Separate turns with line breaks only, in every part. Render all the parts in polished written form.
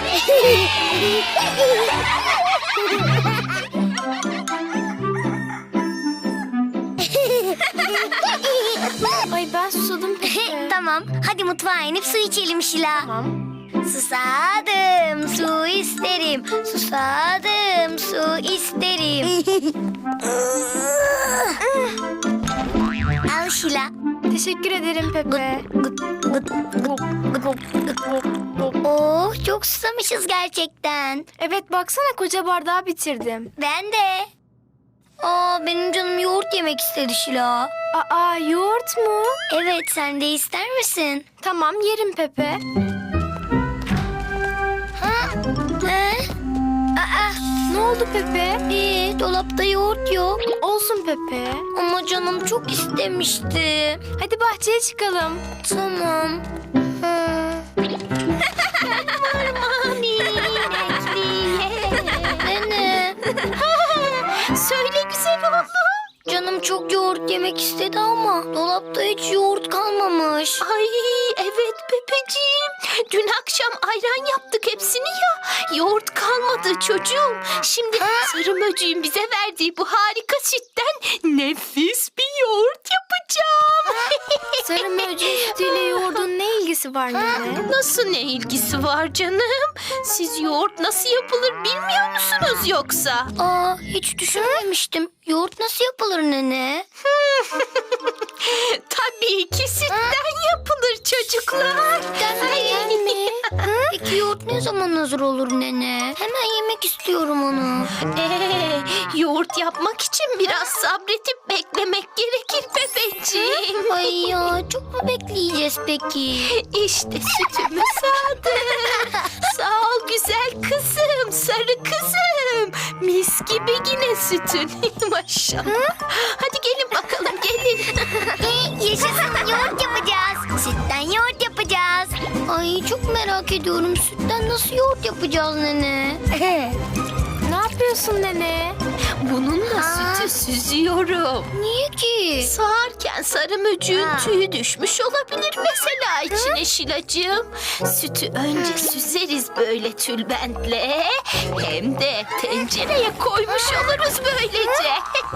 Ay ben susadım.
Tamam, hadi mutfağa inip su içelim Şila.
Tamam.
Susadım, su isterim. Susadım, su isterim. Al Şila.
Teşekkür ederim Pepe.
Oh, çok susamışız gerçekten.
Evet baksana koca bardağı bitirdim.
Ben de. Aa, benim canım yoğurt yemek istedi Şila.
Aa yoğurt mu?
Evet, sen de ister misin?
Tamam yerim Pepe.
He? Aa,
Ne oldu Pepe?
dolapta yoğurt yok.
Olsun Pepe.
Ama canım çok istemişti.
Hadi bahçeye çıkalım.
Tamam. Nene.
Söyle güzel oğlum.
Canım çok yoğurt yemek istedi ama dolapta hiç yoğurt kalmamış.
Ay evet Pepeciğim. Dün akşam ayran yaptık hepsini ya. Yoğurt kalmadı çocuğum. Şimdi sarı möcüğün bize verdiği bu harika sütten nefis bir yoğurt yapacağım.
Sarı mercimek sütüyle yoğurdun ne ilgisi var nene?
Nasıl ne ilgisi var canım? Siz yoğurt nasıl yapılır bilmiyor musunuz yoksa?
Aa, hiç düşünmemiştim. Yoğurt nasıl yapılır nene?
Tabii ki sütten yapılır çocuklar.
Gerçekten mi? Peki yoğurt ne zaman hazır olur nene? Hemen yemek istiyorum onu.
Yoğurt yapmak için biraz sabretip beklemek gerekir Pepeciğim.
Ay ya, çok mu bekleyeceğiz peki?
İşte sütümü sağdım. Sağ ol güzel kızım, sarı kızım. Mis gibi yine sütün. Maşallah. Hadi gelin bakalım gelin.
Yaşasın, yoğurt yapacağız. Sütten yoğurt yapacağız. Ay, çok merak ediyorum. Sütten nasıl yoğurt yapacağız nene?
Ne yapıyorsun nene?
Bununla sütü süzüyorum.
Niye ki?
Sağarken sarı möcüğün
Ha.
tüyü düşmüş olabilir mesela içine Şilacığım. Sütü önce süzeriz böyle tülbentle. Hem de tencereye koymuş oluruz böylece.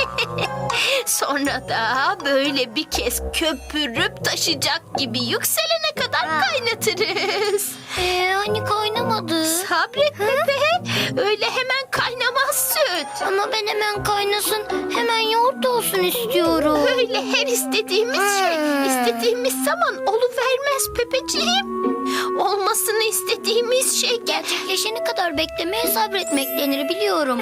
Sonra da böyle bir kez köpürüp taşacak gibi yükselene kadar kaynatırız.
Hani kaynamadı.
Sabret Pepe. Öyle hemen kaynamaz süt.
Ama ben hemen kaynasın, hemen yoğurt olsun istiyorum.
Öyle her istediğimiz şey istediğimiz zaman oluvermez Pepeciğim. Olmasını istediğimiz şey
Gerçekleşene kadar beklemeye sabretmek denir, biliyorum.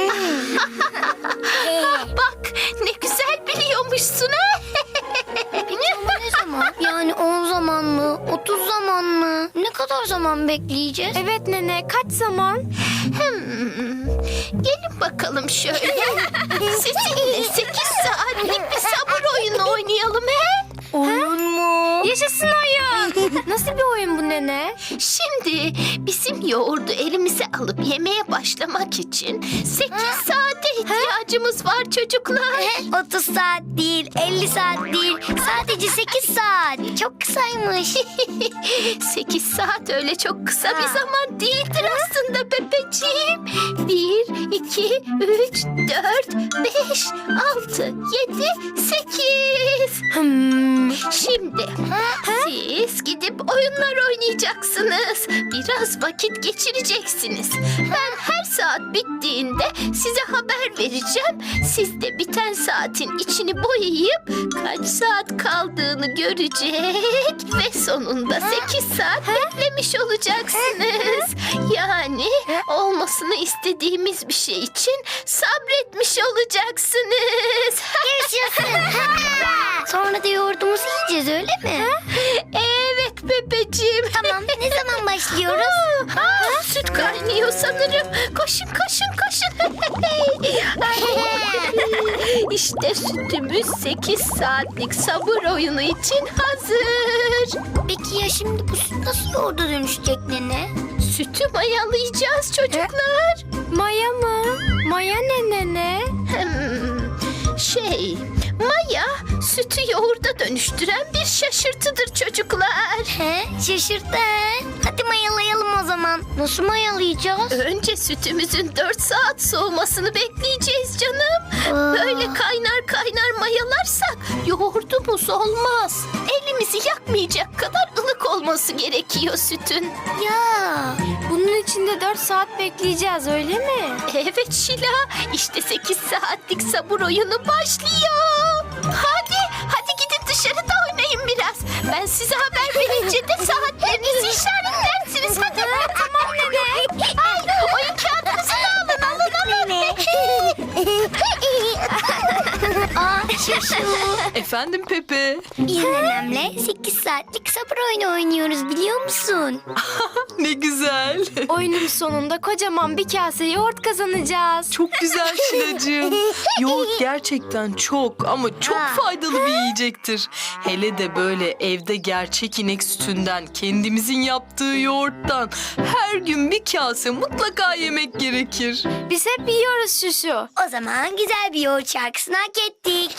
bak ne güzel biliyormuşsun ha.
Peki ama ne zaman? Yani 10 zaman mı? 30 zaman mı? Ne kadar zaman bekleyeceğiz?
Evet nene kaç zaman?
Gelin bakalım şöyle. Sizinle 8 saatlik bir sabır oyunu oynayalım he.
Oyun mu?
Yaşasın oyun. Nasıl bir oyun bu nene?
Şimdi bizim yoğurdu elimize alıp yemeye başlamak için 8 saate ihtiyacımız var çocuklar.
30 saat değil, 50 saat değil. Sadece 8 saat. Çok kısaymış.
8 saat öyle çok kısa bir zaman değildir aslında Pepeciğim. 1, 2, 3, 4, 5, 6, 7, 8. Şimdi siz gidip oyunlar oynayacaksınız. Biraz vakit geçireceksiniz. Ben her saat bittiğinde size haber vereceğim. Siz de biten saatin içini boyayıp kaç saat kaldığını görecek ve sonunda 8 saat beklemiş olacaksınız. Yani olmasını istediğimiz bir şey için sabretmiş olacaksınız.
Yaşasın. Sonra da yoğurdumuzu yiyeceğiz, öyle mi?
Evet Pepeciğim.
Tamam, ne zaman başlıyoruz?
Süt kaynıyor sanırım. Koşun koşun koşun. İşte sütümüz 8 saatlik sabır oyunu için hazır.
Peki ya şimdi bu süt nasıl yoğurda dönüşecek nene?
Sütü mayalayacağız çocuklar.
Maya mı? Maya ne nene?
Maya sütü yoğurda dönüştüren bir şaşırtıdır çocuklar.
He, şaşırttı. Hadi mayalayalım o zaman. Nasıl mayalayacağız?
Önce sütümüzün 4 saat soğumasını bekleyeceğiz canım. Böyle kaynar kaynar mayalarsak yoğurdumuz olmaz. Elimizi yakmayacak kadar ılık olması gerekiyor sütün.
Ya.
Bunun için de 4 saat bekleyeceğiz öyle mi?
Evet Şila, işte 8 saatlik sabır oyunu başlıyor. Hadi gidin dışarıda oynayın biraz. Ben size haber verince de saatlerinizi işaretlersiniz. Hadi. Tamam nene. Ay, oyun kağıdınızı da alın.
Aa, şaşı.
Efendim Pepe.
Biz nenemle 8 saatlik sabır oyunu oynuyoruz biliyor musun?
Ne güzel.
Oyunun sonunda kocaman bir kase yoğurt kazanacağız.
Çok güzel Şilacığım. Yoğurt gerçekten çok ama çok
Ha.
faydalı bir yiyecektir. Hele de böyle evde gerçek inek sütünden, kendimizin yaptığı yoğurttan her gün bir kase mutlaka yemek gerekir.
Biz hep yiyoruz şuşu.
O zaman güzel bir yoğurt şarkısını hak ettik.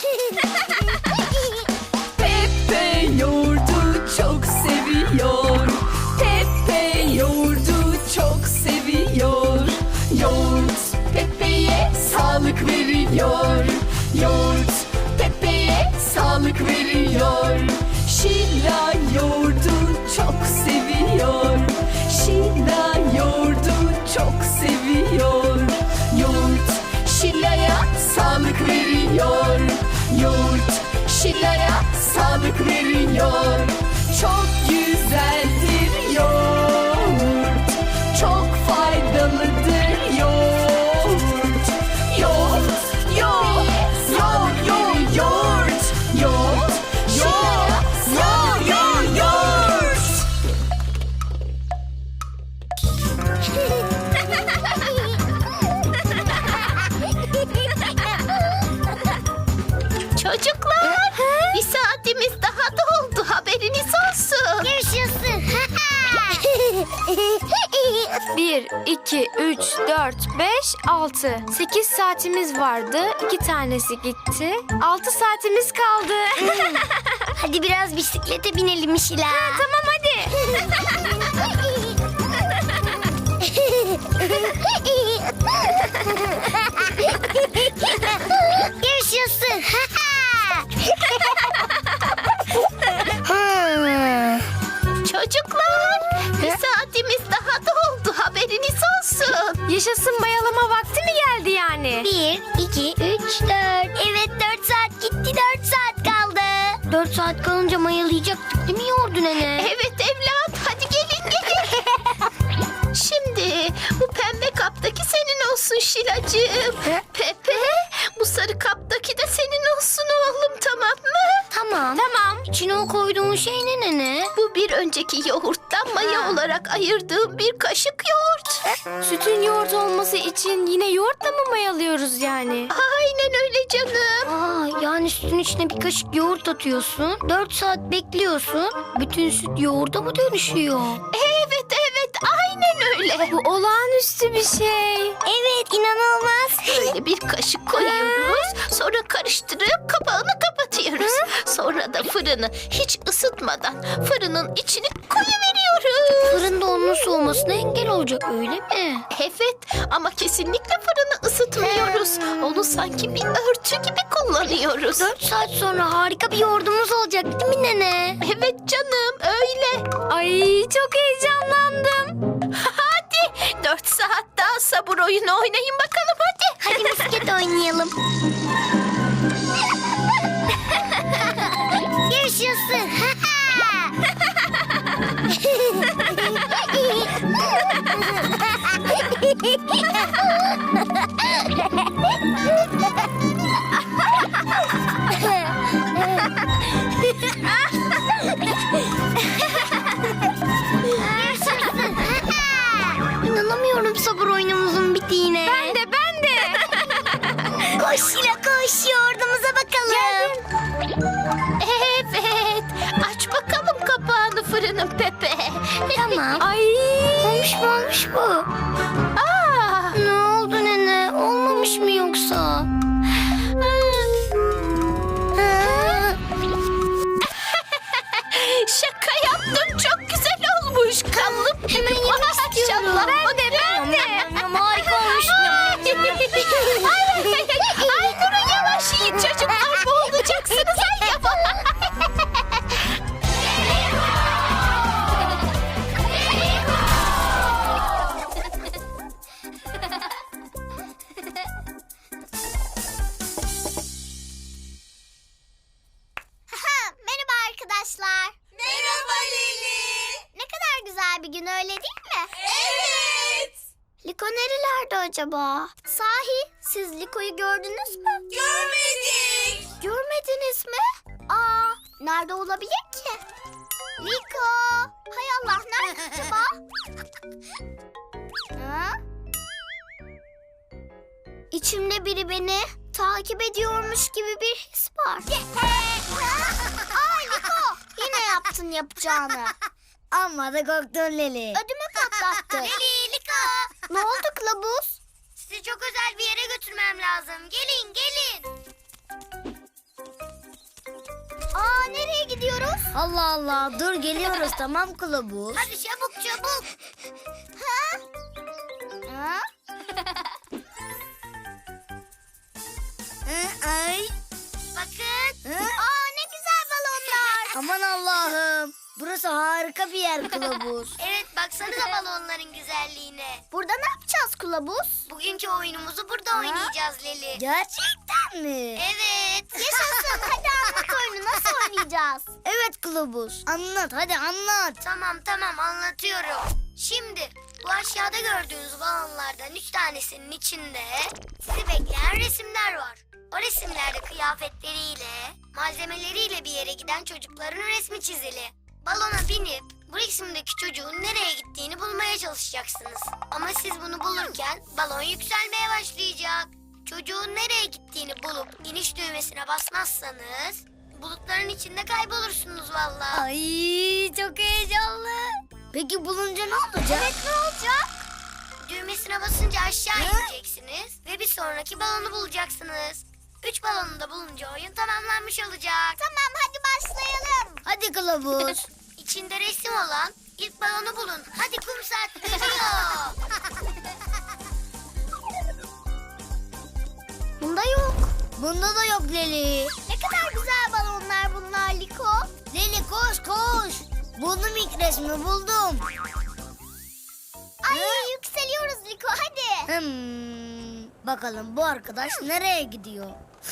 Pepe yoğurdu çok seviyor. Pepe yoğurdu çok seviyor. Yoğurt Pepe'ye sağlık veriyor. Yoğurt Pepe'ye sağlık veriyor. Şila yoğurdu çok seviyor. Şila yoğurdu çok seviyor. Yoğurt Şila'ya sağlık veriyor. Yoğurt Şila'ya sağlık veriyor. Çok güzeldir yoğurt. Çok faydalıdır yoğurt. Yoğurt, yoğurt, yoğurt, yoğurt, yoğurt. Yoğurt, yoğurt, yoğurt, yoğurt.
Çocuklar, bir saatimiz daha doldu. Haberiniz olsun.
Yaşasın.
1, 2, 3, 4, 5, 6. 8 saatimiz vardı. 2 tanesi gitti. 6 saatimiz kaldı.
Hadi biraz bisiklete binelim Şila.
Tamam hadi.
Yaşasın.
Çocuklar, bir saatimiz daha doldu. Haberiniz olsun.
Yaşasın bayalama vakti mi geldi yani?
1, 2, 3, 4. Evet 4 saat gitti 4 saat kaldı. 4 saat kalınca mayalayacaktık değil mi yoğurdu nene?
Evet evlat, hadi gelin. Şimdi bu pembe kaptaki senin olsun Şilacığım. Pepe, bu sarı kaptaki de senin olsun oğlum, tamam mı?
Tamam.
Tamam.
İçine o koyduğun şey ne nene?
Bu bir önceki yoğurttan maya olarak ayırdığım bir kaşık yoğurt.
Sütün yoğurt olması için yine yoğurtla mı mayalıyoruz yani?
Aynen öyle canım.
Aa, yani sütün içine bir kaşık yoğurt atıyorsun. 4 saat bekliyorsun. Bütün süt yoğurda mı dönüşüyor?
Evet, aynen öyle.
Bu olağanüstü bir şey.
Evet inanılmaz.
Böyle bir kaşık koyuyoruz. Sonra karıştırıp kapağını kapatıyoruz. Sonra da fırını hiç ısıtmadan fırının içine koyuveriyoruz.
Fırında onun soğumasına engel olacak öyle mi?
Evet, ama kesinlikle fırını ısıtmıyoruz. Onu sanki bir örtü gibi kullanıyoruz.
4 saat sonra harika bir yoğurdumuz olacak değil mi nene?
Evet canım, öyle.
Ay çok heyecanlandım.
Hadi 4 saat daha sabır oyunu oynayın bakalım hadi.
Hadi misket oynayalım. Yaşasın. İnanamıyorum sabır oyunumuzun bittiğine.
Ben de.
Koş Şila koş yoğurdumuza bakalım.
Evet, aç bakalım kapağını fırının Pepe.
Tamam.
Ay.
Olmuş bu.
Aa,
Ne oldu nene? Olmamış mı yoksa? nerelerde acaba? Sahi siz Liko'yu gördünüz mü?
Görmedik.
Görmediniz mi? Aa, nerede olabilir ki? Liko! Hay Allah, nerede acaba? Ha? İçimde biri beni takip ediyormuş gibi bir his var. Aa Liko! Yine yaptın yapacağını.
Amma da korktun Leli.
Ödümü patlattı.
Leli, Liko.
Ne oldu kılavuz?
Sizi çok özel bir yere götürmem lazım. Gelin, gelin.
Aa, nereye gidiyoruz?
Allah Allah, dur geliyoruz tamam kılavuz.
Hadi çabuk, çabuk.
Ha?
Ay.
Bakın.
Aa, ne güzel balonlar.
Aman Allah'ım. Burası harika bir yer kılavuz.
Evet, baksanıza balonların güzelliğine.
Burada ne yapacağız kılavuz?
Bugünkü oyunumuzu burada oynayacağız Leli.
Gerçekten mi?
Evet.
Yaşasın. Hadi anlat oyunu. Nasıl oynayacağız?
Evet kılavuz. Anlat hadi anlat.
Tamam anlatıyorum. Şimdi bu aşağıda gördüğünüz balonlardan 3 tanesinin içinde sizi bekleyen resimler var. O resimlerde kıyafetleriyle, malzemeleriyle bir yere giden çocukların resmi çizili. Balona binip bu resimdeki çocuğun nereye gittiğini bulmaya çalışacaksınız. Ama siz bunu bulurken balon yükselmeye başlayacak. Çocuğun nereye gittiğini bulup iniş düğmesine basmazsanız bulutların içinde kaybolursunuz vallahi.
Ay çok heyecanlı. Peki bulunca ne olacak?
Evet, ne olacak?
Düğmesine basınca aşağı ineceksiniz ve bir sonraki balonu bulacaksınız. 3 balonu da bulunca oyun tamamlanmış olacak.
Tamam, hadi başlayalım.
Hadi kılavuz.
İçinde resim olan ilk balonu bulun. Hadi kum saat geliyor.
Bunda yok.
Bunda da yok Leli.
Ne kadar güzel balonlar bunlar Liko.
Leli koş koş. Buldum ilk resmi buldum.
Ay, yükseliyoruz Liko, hadi.
Bakalım bu arkadaş nereye gidiyor?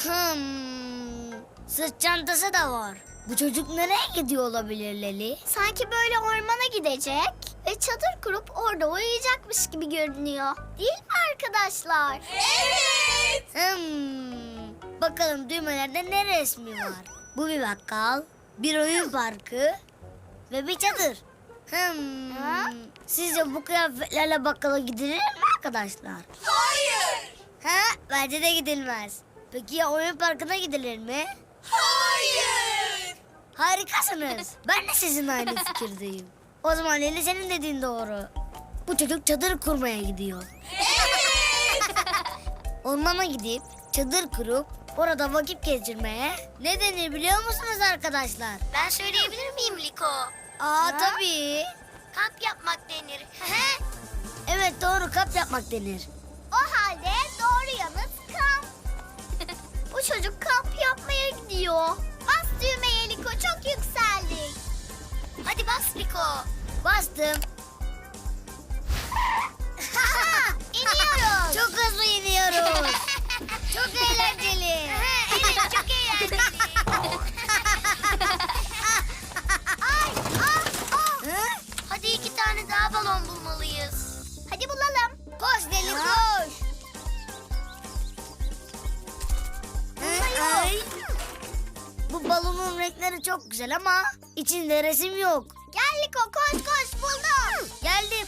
Sırt çantası da var. Bu çocuk nereye gidiyor olabilir Leli?
Sanki böyle ormana gidecek ve çadır kurup orada uyuyacakmış gibi görünüyor. Değil mi arkadaşlar?
Evet.
Bakalım düğmelerde ne resmi var? Bu bir bakkal, bir oyun parkı ve bir çadır. Sizce bu kıyafetlerle bakkala gidilir mi arkadaşlar?
Hayır.
Bence de gidilmez. Peki ya oyun parkına gidilir mi?
Hayır.
Harikasınız. Ben de sizin aynı fikirdeyim. O zaman Leli senin dediğin doğru. Bu çocuk çadır kurmaya gidiyor. Ormana gidip çadır kurup orada vakit geçirmeye ne denir biliyor musunuz arkadaşlar?
Ben söyleyebilir miyim Liko?
Tabii.
Kamp yapmak denir.
Evet doğru kamp yapmak denir.
O halde doğru yanıt kamp. Bu çocuk kamp yapmaya gidiyor. Bas düğmeye Liko, çok yükseldik.
Hadi bas Liko.
Bastım.
İniyoruz.
Çok hızlı iniyoruz. Çok eğlenceli.
Evet, çok eğlenceli. Hadi 2 tane daha balon bulmalıyız.
Hadi bulalım.
Koş Leli koş. Ay. Bu balonun renkleri çok güzel ama içinde resim yok.
Gel Liko, koş koş, buldum.
Geldim.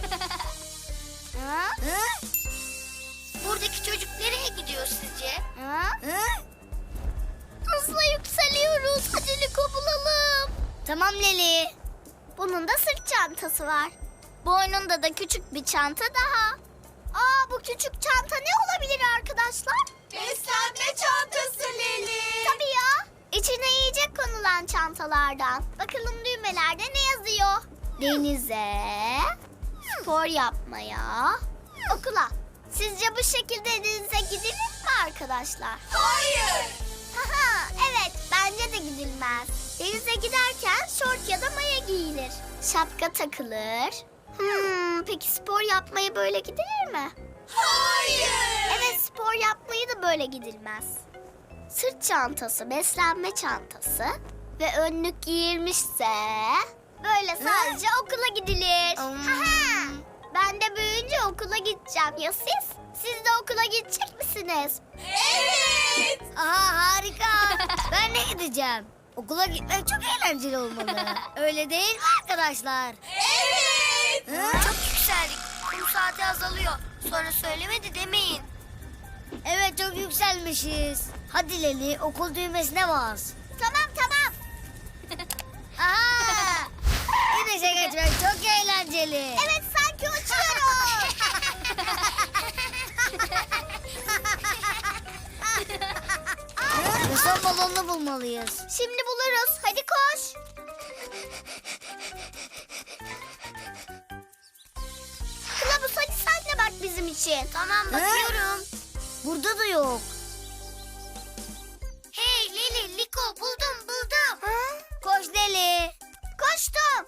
Buradaki çocuk nereye gidiyor sizce?
Hızla yükseliyoruz. Hadi Liko, bulalım.
Tamam Leli.
Bunun da sırt çantası var. Boynunda da küçük bir çanta daha. Aa, bu küçük çanta ne olabilir arkadaşlar?
Beslenme çantası Leli.
Tabii ya. İçine yiyecek konulan çantalardan. Bakalım düğmelerde ne yazıyor? Denize, spor yapmaya, okula. Sizce bu şekilde denize gidilir mi arkadaşlar?
Hayır.
Haha, evet, bence de gidilmez. Denize giderken şort ya da maya giyilir. Şapka takılır. Peki spor yapmaya böyle gidilir mi?
Hayır.
Evet, spor yapmayı da böyle gidilmez. Sırt çantası, beslenme çantası ve önlük giyilmişse böyle sadece okula gidilir. Haha, Ben de büyüyünce okula gideceğim. Ya siz? Siz de okula gidecek misiniz?
Evet. Aha harika. Ben de gideceğim. Okula gitmek çok eğlenceli olmalı. Öyle değil mi arkadaşlar?
Evet. Çok yükseldik. Kum saati azalıyor. Sonra söylemedi demeyin.
Evet çok yükselmişiz. Hadi Leli okul düğmesine bas.
Tamam tamam.
Aha! Güneşe geçmek çok eğlenceli.
Evet sanki uçuyorum.
Ve son balonunu bulmalıyız.
Şimdi buluruz. Hadi koş. Kılavuz hadi sen de bak bizim için.
Tamam bakıyorum.
Burada da yok.
Hey Leli, Liko buldum.
Koş Leli.
Koştum.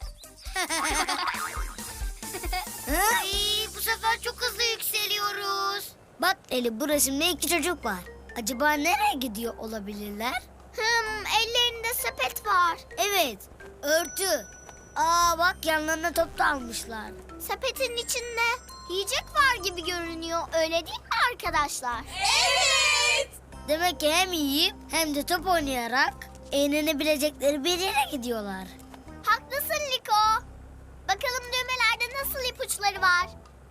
Ay, bu sefer çok hızlı yükseliyoruz.
Bak Leli bu resimde 2 çocuk var. Acaba nereye gidiyor olabilirler?
Ellerinde sepet var.
Evet, örtü. Aa bak yanlarına top da almışlar.
Sepetin içinde yiyecek var gibi görünüyor. Öyle değil mi arkadaşlar? Evet.
Demek ki hem yiyip hem de top oynayarak eğlenebilecekleri bir yere gidiyorlar.
Haklısın Liko. Bakalım düğmelerde nasıl ipuçları var?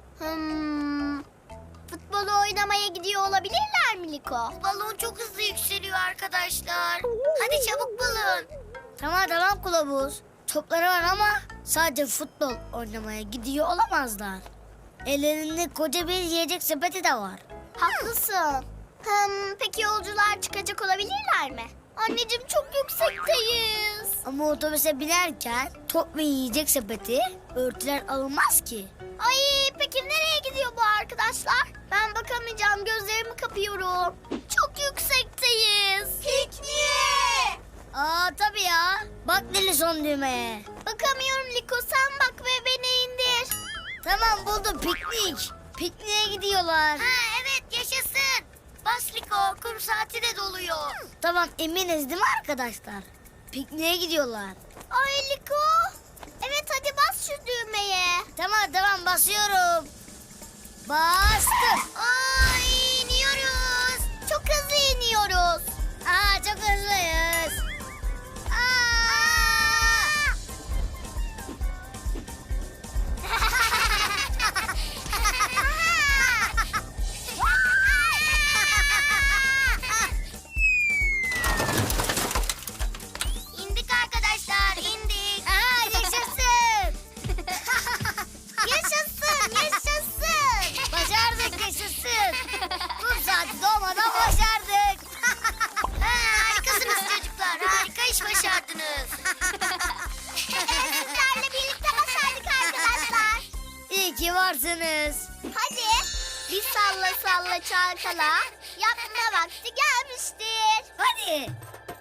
Futbolu oynamaya gidiyor olabilirler mi Liko?
Balon çok hızlı yükseliyor arkadaşlar. Hadi çabuk bulun.
Tamam kılavuz. Topları var ama sadece futbol oynamaya gidiyor olamazlar. Ellerinde koca bir yiyecek sepeti de var.
Haklısın. Peki yolcular çıkacak olabilirler mi? Anneciğim çok yüksekteyiz.
Ama otobüse binerken top ve yiyecek sepeti örtüler alınmaz ki.
Ay peki nereye gidiyor bu arkadaşlar? Ben bakamayacağım, gözlerimi kapıyorum. Çok yüksekteyiz. Pikniğe.
Aa tabii ya. Bak Leli son düğmeye.
Bakamıyorum Liko, sen bak ve beni indir.
Tamam buldum piknik. Pikniğe gidiyorlar.
Ha evet yaşasın. Bas Liko, kum saati de doluyor.
Tamam eminiz değil mi arkadaşlar? Pikniğe gidiyorlar.
Ay Liko. Evet hadi bas şu düğmeye.
Tamam basıyorum. Bastım.
Ay iniyoruz. Çok hızlı iniyoruz.
Aa çok hızlıyız.
İndik arkadaşlar, indik.
Aa yaşasın.
Yaşasın.
Başardık yaşasın. Kum saati doğmadan başardık.
Harikasınız çocuklar, harika iş başardınız.
Sizlerle birlikte başardık arkadaşlar.
İyi ki varsınız.
Hadi bir salla çalkala. Yapma vakti gelmiştir.
Hadi.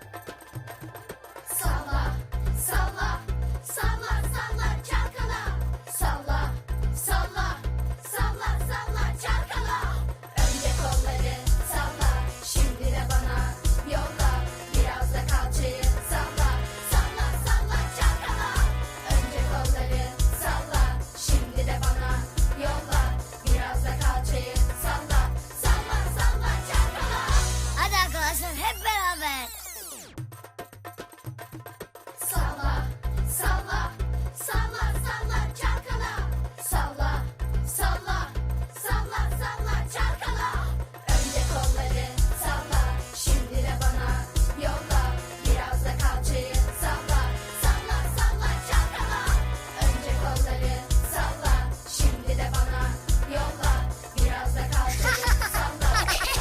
Salla, salla, salla, salla çalkala. Salla, salla, salla, salla çalkala. Önce kolları salla, şimdi de bana yolla. Biraz da kalçayı salla, salla, salla çalkala. Önce kolları salla, şimdi de bana yolla. Biraz da kalçayı salla, salla, salla çalkala.
Hadi arkadaşlar hep beraber.
Salla, salla, salla, salla çalkala. Salla, salla, salla, salla çalkala. Önce kolları salla, şimdi de bana yolla. Biraz da kalçayı salla, salla, salla çalkala. Önce kolları salla, şimdi de bana yolla. Biraz da kalçayı salla.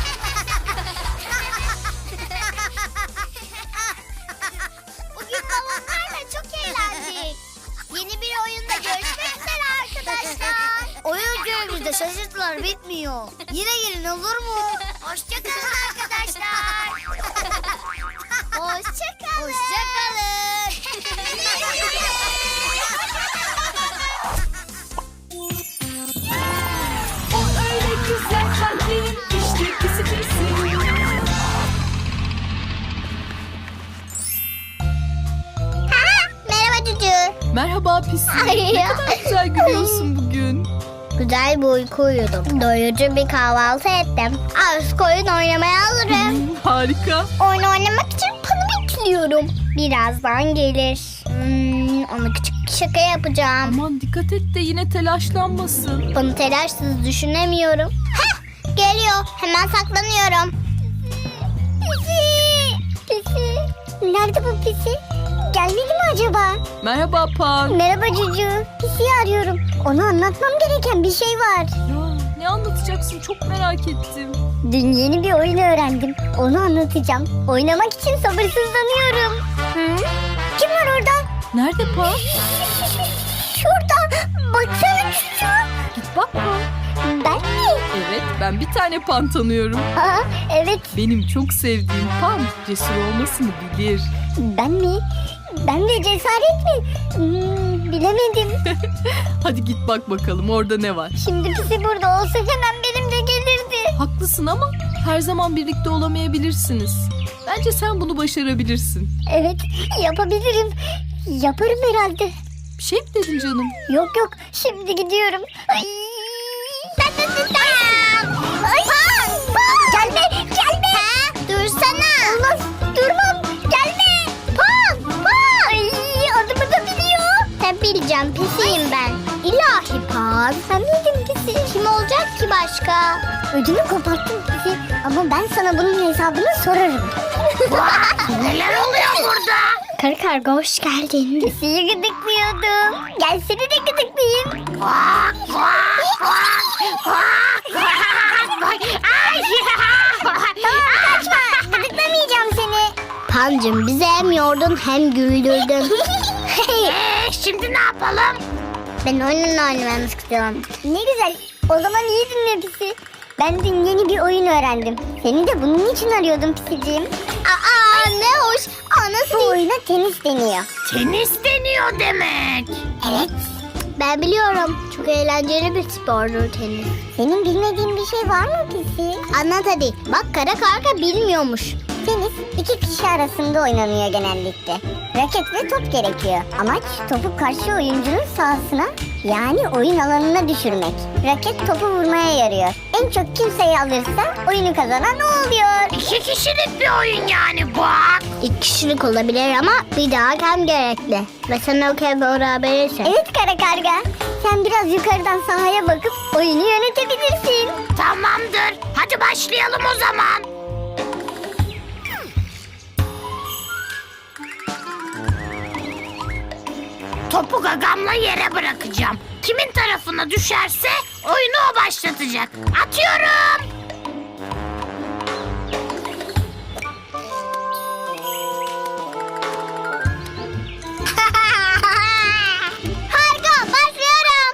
Bugün balonlarla çok eğlendik. Yeni bir oyunda görüşmek üzere arkadaşlar.
Oyun köyümüzde şaşırtılar bitmiyor. Yine gelin olur mu?
Hoşçakalın arkadaşlar.
Hoşçakalın.
Hoşçakalın.
O öyle güzel kalplerin işte pisi pisi.
Merhaba Cücü.
Merhaba Pisi.
Ay
Ne
ya.
kadar güzel gülüyorsun bugün.
Güzel bir uyku uyudum. Doyurucu bir kahvaltı ettim. Artık oyun oynamaya hazırım.
Harika.
Oyun oynamak için Pan'ı bekliyorum. Birazdan gelir. Ona küçük bir şaka yapacağım.
Aman dikkat et de yine telaşlanmasın.
Pan'ı telaşsız düşünemiyorum. Hah! Geliyor. Hemen saklanıyorum. Pisi! Pisi! Nerede bu Pisi? Gelmedi mi acaba?
Merhaba Pan.
Merhaba Cucu. Pisi'yi arıyorum. Ona anlatmam gereken bir şey var.
Ya, ne anlatacaksın çok merak ettim.
Dün yeni bir oyun öğrendim. Onu anlatacağım. Oynamak için sabırsızlanıyorum. Kim var orada?
Nerede Pan?
Şurada. Baksana Cucu.
Git bak Pan.
Ben mi?
Evet ben bir tane Pan tanıyorum.
Aa, evet.
Benim çok sevdiğim Pan cesur olmasını bilir.
Ben mi? Ben de cesaret mi? Bilemedim.
Hadi git bak bakalım orada ne var.
Şimdi Pisi burada olsa hemen benimle gelirdi.
Haklısın ama her zaman birlikte olamayabilirsiniz. Bence sen bunu başarabilirsin.
Evet, yapabilirim. Yaparım herhalde.
Bir şey mi dedin canım?
Yok yok, şimdi gidiyorum. Ay. Ay. Gelme, gelme. Dursana. Olmaz, durmam. Gelme. Pan. Ay, adımı da biliyor. Sen bileceğim, Pisiyim ben. İlahi Pan. Sen miydin Pisi? Kim olacak ki başka? Ödümü koparttın Pisi. Ama ben sana bunun hesabını sorarım.
Neler oluyor burada?
Karı karga hoş geldin. Pisiyi gıdıklıyordum. Gel seni de gıdıklayayım. Kaçma. Gıdıklamayacağım seni. Pancım bizi hem yordun hem güldürdün.
Şimdi ne yapalım?
Ben oyunla oynamamı istiyorum. Ne güzel. O zaman iyi dinle Pisi. Ben dün yeni bir oyun öğrendim. Seni de bunun için arıyordum Pisiciğim. Aa ne hoş. Nasıl? Bu oyuna tenis deniyor.
Tenis deniyor demek.
Evet. Ben biliyorum. Çok eğlenceli bir spordur tenis. Senin bilmediğin bir şey var mı Pisi? Anlat hadi. Bak kara karga bilmiyormuş. Tenis iki kişi arasında oynanıyor genellikle. Raket ve top gerekiyor. Amaç topu karşı oyuncunun sahasına yani oyun alanına düşürmek. Raket topu vurmaya yarıyor. En çok kim sayı alırsa oyunu kazanan o oluyor.
2 kişilik bir oyun yani bak.
2 kişilik olabilir ama bir daha hakem gerekli. Ve sen o kez beraberisin. Evet kara karga. Sen biraz yukarıdan sahaya bakıp oyunu yönetebilirsin.
Tamamdır. Hadi başlayalım o zaman. Topu gagamla yere bırakacağım. Kimin tarafına düşerse oyunu o başlatacak. Atıyorum.
Harika başlıyorum.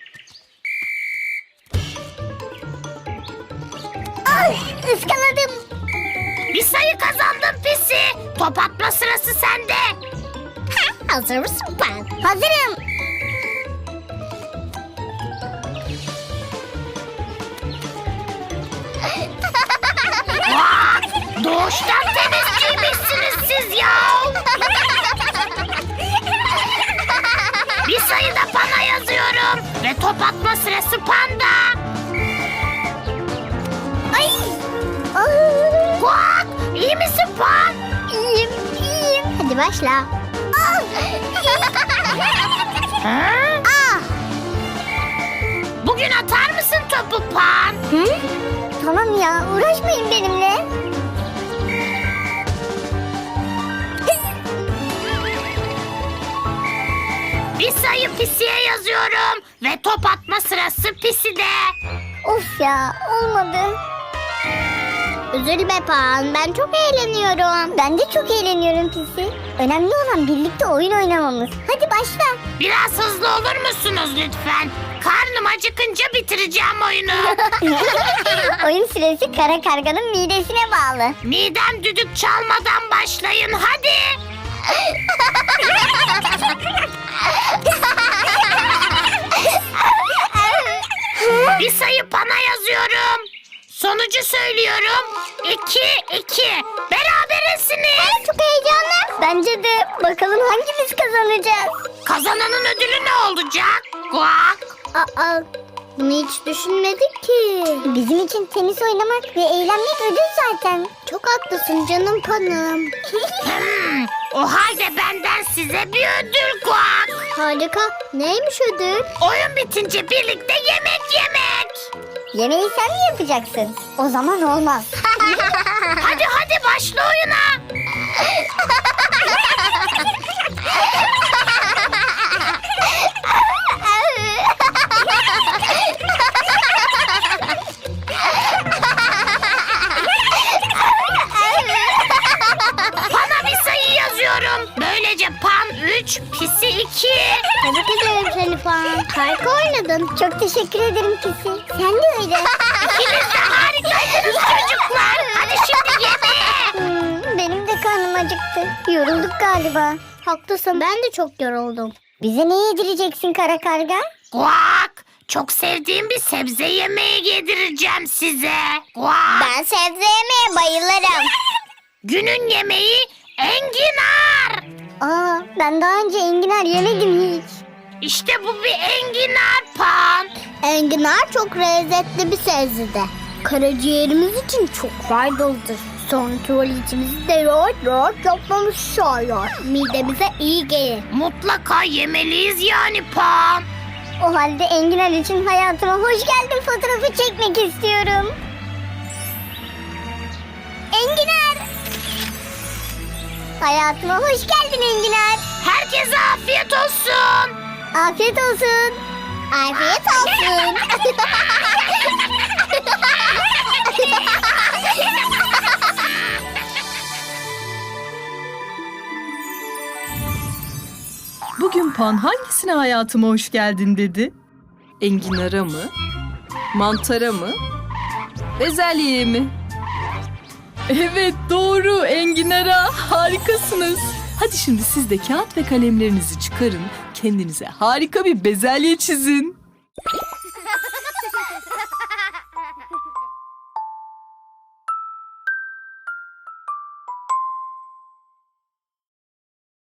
Ay ıskaladım.
Bir sayı kazandın Pisi. Top atma sırası sende.
Hazır mısın ben? Hazırım.
Doğuştan tenisçiymişsiniz siz ya. Bir sayı da Pan'a yazıyorum. Ve top atma sırası Pan'da.
Ay.
Kuak, iyi misin Pan?
İyiyim, iyiyim. Hadi başla. Ah.
Bugün atar mısın topu Pan?
Hı? Tamam ya, uğraşmayın benimle.
Bir sayı Pisi'ye yazıyorum. Ve top atma sırası Pisi'de.
Of ya, olmadı. Üzülme Pan, ben çok eğleniyorum. Ben de çok eğleniyorum Pisi. Önemli olan birlikte oyun oynamamız. Hadi başla.
Biraz hızlı olur musunuz lütfen? Karnım acıkınca bitireceğim oyunu.
Oyun süresi kara karganın midesine bağlı.
Midem düdük çalmadan başlayın hadi. Bir sayı Pan'a yazıyorum. Sonucu söylüyorum. 2-2. Berabersiniz.
Çok heyecanlı. Bence de bakalım hangimiz kazanacağız.
Kazananın ödülü ne olacak? Guak.
Aa, bunu hiç düşünmedik ki. Bizim için tenis oynamak ve eğlenmek ödül zaten. Çok haklısın canım panım.
O halde benden size bir ödül Guak.
Harika. Neymiş ödül?
Oyun bitince birlikte yemek yemek.
Yemeği sen mi yapacaksın? O zaman olmaz.
Hadi başla oyuna. Pan'a bir sayı yazıyorum. Böylece Pan 3, Pisi 2.
Tebrik ederim seni Pan. Harika oynadın. Çok teşekkür ederim Pisi. Sen de öyle.
İkiniz de harikaydınız çocuklar. Hadi şimdi yemeğe.
Benim de karnım acıktı. Yorulduk galiba. Haklısın, ben de çok yoruldum. Bize ne yedireceksin kara karga?
Guak. Çok sevdiğim bir sebze yemeği yedireceğim size. Guak.
Ben sebze yemeye bayılırım.
Günün yemeği enginar.
Aa, ben daha önce enginar yemedim hiç.
İşte bu bir enginar Pan.
Enginar çok lezzetli bir sebze. Karaciğerimiz için çok faydalıdır. Sonra tuvaletimizi de rahat yapmamız sağlar. Midemize iyi gelir.
Mutlaka yemeliyiz yani Pan.
O halde enginar için hayatıma hoş geldin fotoğrafı çekmek istiyorum. Enginar! Hayatıma hoş geldin enginar.
Herkese afiyet olsun.
Afiyet olsun. Afiyet olsun.
Bugün Pan hangisine hayatıma hoş geldin dedi? Enginara mı? Mantara mı? Bezelyeye mi? Evet doğru enginara. Harikasınız. Hadi şimdi siz de kağıt ve kalemlerinizi çıkarın. Kendinize harika bir bezelye çizin.